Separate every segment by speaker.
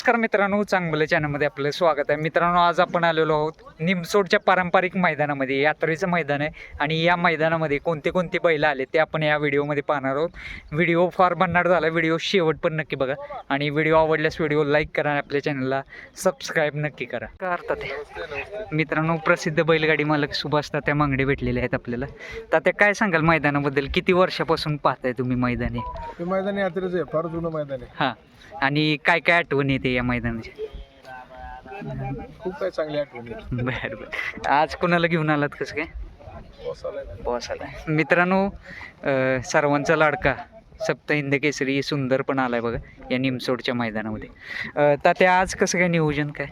Speaker 1: नमस्कार मित्रांनो, चांगलं चॅनलमध्ये आपलं स्वागत आहे. मित्रांनो, आज आपण आलेलो आहोत निमसोडच्या पारंपरिक मैदानामध्ये. यात्रेचं मैदान आहे आणि या मैदानामध्ये कोणते कोणते बैल आले ते आपण या व्हिडिओमध्ये पाहणार आहोत. व्हिडिओ फार भन्नाट झाला, व्हिडिओ शेवट पण नक्की बघा आणि व्हिडिओ आवडल्यास व्हिडिओ लाईक करा आणि आपल्या चॅनलला सबस्क्राईब नक्की करा. काय अर्थात मित्रांनो, प्रसिद्ध बैलगाडी मालक सुभाष तात्या मांगडे भेटलेले आहेत आपल्याला. तात्या, काय सांगाल मैदानाबद्दल? किती वर्षापासून पाहताय तुम्ही मैदान?
Speaker 2: हे मैदान यात्रेचं आहे, फार जुनं मैदान आहे.
Speaker 1: हां, आणि काय काय आठवण येते या मैदानाची?
Speaker 2: खूप काही चांगली आठवण आहे.
Speaker 1: बरं बरं. आज कोणाला घेऊन आलात? कसं काय? बॉस आला. मित्रांनो, सर्वांचा लाडका सप्तहिंद केसरी सुंदर पण आलाय बघा या निमसोडच्या मैदानामध्ये. तात्या, आज कसं काय नियोजन काय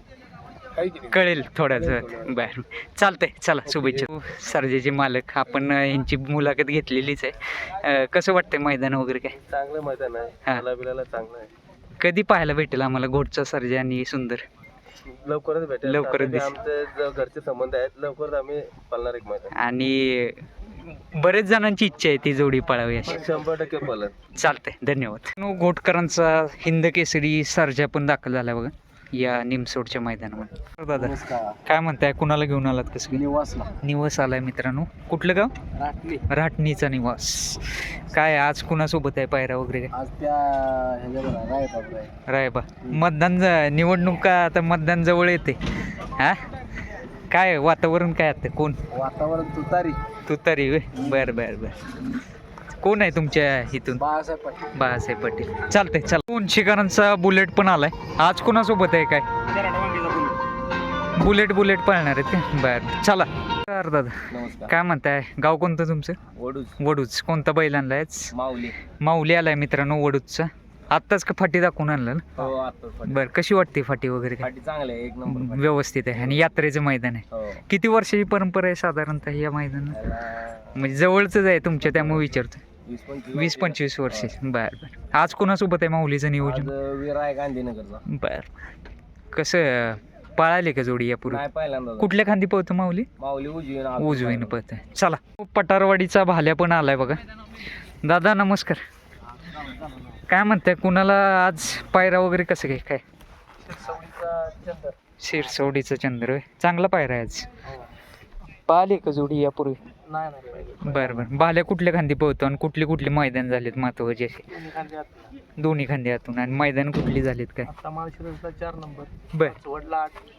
Speaker 1: कळेल थोड्याच वेळात? बरं, चालतंय. चला, शुभेच्छा. सर्जेचे मालक, आपण यांची मुलाखत घेतलेलीच आहे. कसं वाटतंय मैदान वगैरे? काय
Speaker 2: चांगलं मैदान आहे, बिलाला चांगलं आहे.
Speaker 1: कधी पाहायला भेटेल आम्हाला घोडचा सर्जे आणि सुंदर?
Speaker 2: लवकरच भेटेल,
Speaker 1: लवकरच दिसेल.
Speaker 2: आमचे घरचे संबंध आहेत, लवकरच आम्ही पालणार एक मैदान.
Speaker 1: आणि बरेच जणांची इच्छा आहे ती जोडी पळावी अशी.
Speaker 2: 100% पालन.
Speaker 1: चालतंय, धन्यवाद. घोटकरांचा हिंद केसरी सर्जा पण दाखल झाला बघा या निमसोडच्या मैदानामध्ये. दादा, काय म्हणताय? कुणाला घेऊन आलात? कसं? निवास आलाय मित्रांनो. कुठलं गाव? राटणीचा निवास. काय आज कुणासोबत आहे पायरा वगैरे?
Speaker 2: आज त्या
Speaker 1: रायबा. मतदान निवडणूक आता मतदान जवळ येते. हा, काय वातावरण काय आता? कोण
Speaker 2: वातावरण?
Speaker 1: तुतारी. बरं बरं बरं. कोण आहे तुमच्या इथून? बाळासाहेब पाटील. चालतंय. चला, उंचीकरांचा बुलेट पण आलाय. आज कोणासोबत आहे? काय बुलेट पळणार आहेत का? बरं, चला. दादा, काय म्हणताय? गाव कोणतं तुमचं? वडूज. कोणता बैल आणलाय? माऊली आलाय मित्रांनो वडूजचा. आत्ताच का फाटी दाखवून आणलं ना? बरं, कशी वाटते फाटी वगैरे?
Speaker 2: चांगले, एक नंबर
Speaker 1: व्यवस्थित आहे. आणि यात्रेचं मैदान आहे. किती वर्षाची परंपरा आहे साधारणतः या मैदानात? म्हणजे जवळच आहे तुमच्या, त्यामुळे विचारतो. 20-25 वर्ष. बरं. आज कोणासोबत आहे माऊलीचं नियोजन?
Speaker 2: गांधीनगरचा.
Speaker 1: बरं. कसं पळाले का जोडी यापूर्वी? कुठल्या खांदी पळतो माऊली? उजवीनं पळत. चला, पटारवाडीचा भाल्या पण आलाय बघा. दादा, नमस्कार. काय म्हणताय? कुणाला आज पायरा वगैरे कसं काय? शिरसवडीचा चंद्र. चांगला पायरा आहे आज. पाहिले का जोडी यापूर्वी? बरं. भाल्या कुठल्या खांदी पळतो आणि कुठली मैदान झालेत महत्वाचे असे? दोन्ही खांदी आतून. आणि मैदान कुठली झालीत काय?
Speaker 2: 4 नंबर.
Speaker 1: बरं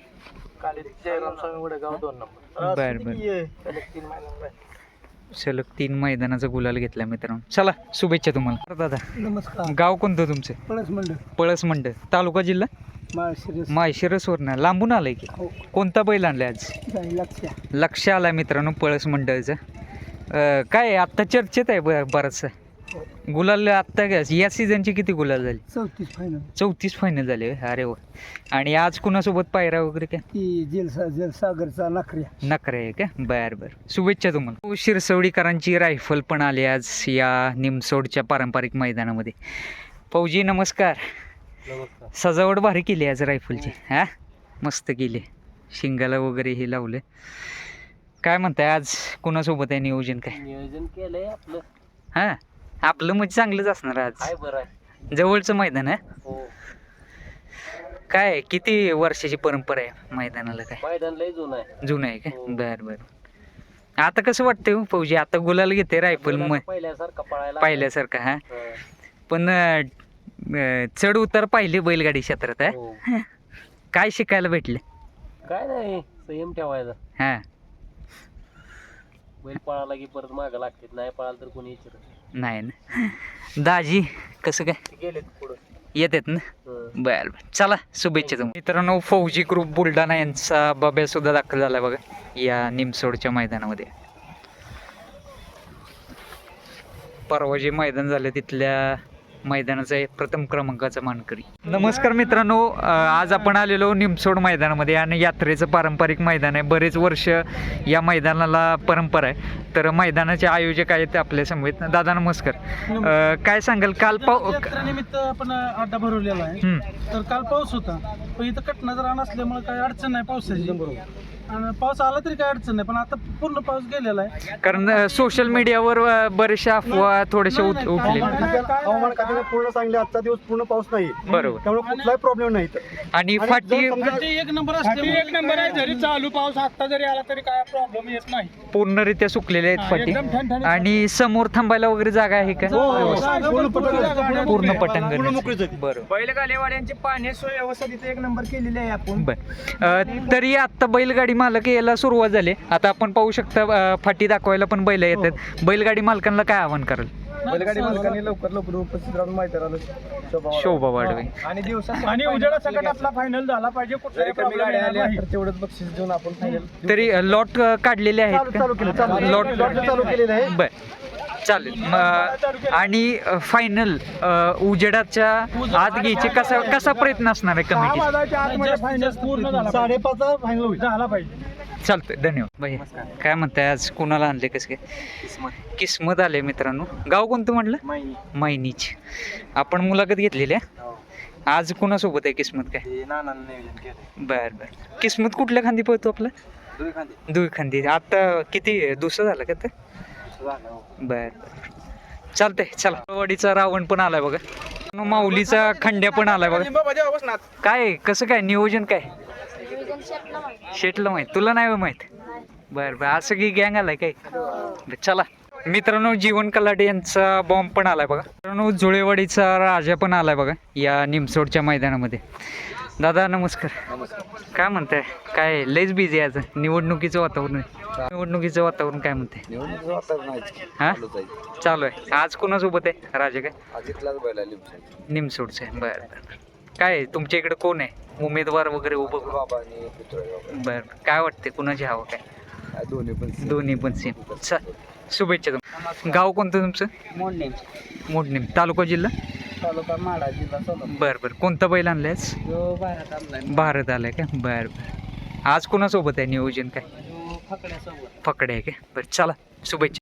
Speaker 1: सलग 3 मैदानाचा गुलाल घेतला मित्रांनो. चला, शुभेच्छा तुम्हाला. दादा,
Speaker 2: नमस्कार.
Speaker 1: गाव कोणतं तुमचं? पळस मंडळ. तालुका जिल्हा? माळशिरसवरनं लांबून आलाय की? कोणता बैल आणलाय आज? लक्ष आलाय मित्रांनो पळस मंडळचं. काय आत्ता चर्चेत आहे बराचसा गुलाल. आत्ता या सीझनची किती गुलाल झाली? 34 फायनल झाले. अरे वा. आणि आज कुणासोबत पायरा वगैरे काय?
Speaker 2: सागरचा
Speaker 1: नखरे आहे का? बरं. शुभेच्छा तुम्हाला. शिरसवडीकरांची रायफल पण आली आज या निमसोडच्या पारंपरिक मैदानामध्ये. फौजी, नमस्कार. सजावट भारी केली आज रायफलची. हा, मस्त केली. शिंगाला वगैरे हे लावले. काय म्हणताय? आज कुणासोबत आहे नियोजन? काय
Speaker 2: नियोजन केलंय आपलं?
Speaker 1: हा, आपलं म्हणजे चांगलंच असणार आज. जवळचं मैदान आहे. काय किती वर्षाची परंपरा आहे मैदानाला? काय
Speaker 2: मैदान लय
Speaker 1: जुनं आहे का? बरं. आता कसं वाटतंय फौजी? आता गुलाल घेते रायफल पहिल्यासारखा. हा, पण चढ उतार पाहिले बैलगाडी क्षेत्रात. आहे काय शिकायला भेटले?
Speaker 2: काय नाही, संयम ठेवायचा.
Speaker 1: हा,
Speaker 2: बैल पळाला की परत मागं लागते, नाही पळाला तर कोणी विचारत
Speaker 1: नाही ना. दाजी, कसं काय
Speaker 2: गेले पुढं
Speaker 1: येतात ना? बरं. चला, शुभेच्छा तुम्हाला. मित्रांनो, फौजी ग्रुप बुलढाणा यांचा बब्या सुद्धा दाखल झाला बघा या निमसोडच्या मैदानामध्ये. परवा जे मैदान झालं तिथल्या मैदानाचा प्रथम क्रमांकाचा मानकरी. नमस्कार मित्रांनो, आज आपण आलेलो निमसोड मैदानामध्ये आणि यात्रेचं पारंपरिक मैदान आहे. बरेच वर्ष या मैदानाला परंपरा आहे. तर मैदानाचे आयोजक आहेत आपल्या समवेत. दादा, नमस्कार. काय सांगाल? काल
Speaker 3: निमित्त आपण अड्डा भरवलेला आहे. तर काल पाऊस होता, पण इथं कटना जरा नसल्यामुळे काही अडचण नाही पावसाची. आणि पाऊस आला तरी काय अडचण नाही, पण आता पूर्ण पाऊस गेलेला आहे.
Speaker 1: कारण सोशल मीडियावर बरेचशा अफवा थोडेसे
Speaker 3: नाही, नाही,
Speaker 1: उठले.
Speaker 4: हवामान खात्याने पूर्ण सांगले आजचा दिवस पूर्ण पाऊस नाही,
Speaker 1: बरोबर.
Speaker 4: त्यामुळे कुठलाही प्रॉब्लेम नाही इथं.
Speaker 1: आणि
Speaker 4: आणि
Speaker 1: फाटी
Speaker 4: जर समजा-
Speaker 3: फाटी एक नंबर असते, एक नंबर आहे. जरी चालू पाऊस आता जरी आला तरी काय प्रॉब्लेम येत नाही.
Speaker 1: पूर्णरित्या सुकलेले आहेत फाटी.
Speaker 3: एकदम ठणठणीत.
Speaker 1: आणि समोर थांबायला वगैरे जागा आहे का?
Speaker 4: पूर्ण पटकन-
Speaker 1: पूर्ण
Speaker 4: पूर्ण
Speaker 1: पटंगण.
Speaker 4: मोकळीच आहे.
Speaker 1: बरोबर.
Speaker 3: बैलगाडीवाल्यांची पाणी सोय व्यवस्था तिथे एक नंबर केलेली आहे आपण.
Speaker 1: तरी आता बैलगाडी मालक यायला सुरुवात झाली. आता आपण पाहू शकता फाटी दाखवायला पण बैल येतात. बैलगाडी मालकांना काय आव्हान कराल?
Speaker 2: बैलगाडी मालकांनी लवकर उपस्थित राहून मैदानाला
Speaker 1: शोभा वाढवे.
Speaker 2: आणि दिवसात
Speaker 3: आणि उजेडा सकट आपला फायनल झाला पाहिजे. कुठलाही
Speaker 2: जरी कमी
Speaker 3: problem
Speaker 2: गाड्या
Speaker 3: येणार
Speaker 2: आल्या
Speaker 3: नाही.
Speaker 2: तर तेवढंच बक्षीस देऊन आपण फायनल
Speaker 1: तरी लॉट काढलेले आहेत
Speaker 4: चालू केलं, चालू
Speaker 1: का?
Speaker 4: केलं.
Speaker 1: लॉट
Speaker 4: लॉट चालू केलेलं आहे.
Speaker 1: बर चालेल. आणि फायनल उजेडाच्या आत घ्यायचे कसा प्रयत्न असणार आहे
Speaker 3: सहा
Speaker 1: कमिटी?
Speaker 3: वाजायच्या आतमध्ये फायनल पूर्ण झाला पाहिजे.
Speaker 4: 5:30चा फायनल होईल.
Speaker 3: झाला पाहिजे.
Speaker 1: चालतंय. धन्यवाद भाई. काय म्हणताय आज कुणाला आणले कसं काय? किस्मत आले मित्रांनो. गाव कोणतं म्हटलं? मैनीच. आपण मुलाखत घेतलेली आहे. आज कुणासोबत आहे किस्मत काय? बर बर. किस्मत कुठल्या खांदी पळतो आपला? दुई खांदी. आता किती दुसरं झालं का ते? बर चालतंय. चला. वाडीचा रावण पण आलाय बघा. माऊलीचा खंड्या पण आलाय बघा. काय कसं काय नियोजन काय? शेटला माहित, तुला नाही माहित? बर बर. असं की गँग आलाय काय? चला मित्रांनो, जीवन कलाटे यांचा बॉम्ब पण आलाय बघा. मित्रांनो, जुळेवाडीचा राजा पण आलाय बघा या निमसोडच्या मैदानामध्ये. दादा नमस्कार. काय म्हणताय? काय लयच बिझी आहे आज. निवडणुकीचं वातावरण आहे. निवडणुकीचं वातावरण काय म्हणते? हा चालू आहे. आज कोणासोबत आहे राजा? काय निमसोडचं आहे. बरं बरं. काय तुमच्या इकडे कोण आहे उमेदवार वगैरे उभं? बरं. काय वाटते कुणाची हवं काय? दोन्ही पण सेम. शुभेच्छा. गाव कोणतं तुमचं? मोडणीम. तालुका जिल्हा?
Speaker 3: तालुका माडा, जिल्हा सोलापूर.
Speaker 1: बरं बरं. कोणता बैल आणलायस? भारत आलाय का? बरं बरं. आज कोणासोबत आहे नियोजन काय? फकडे आहे का? बरं चला शुभेच्छा.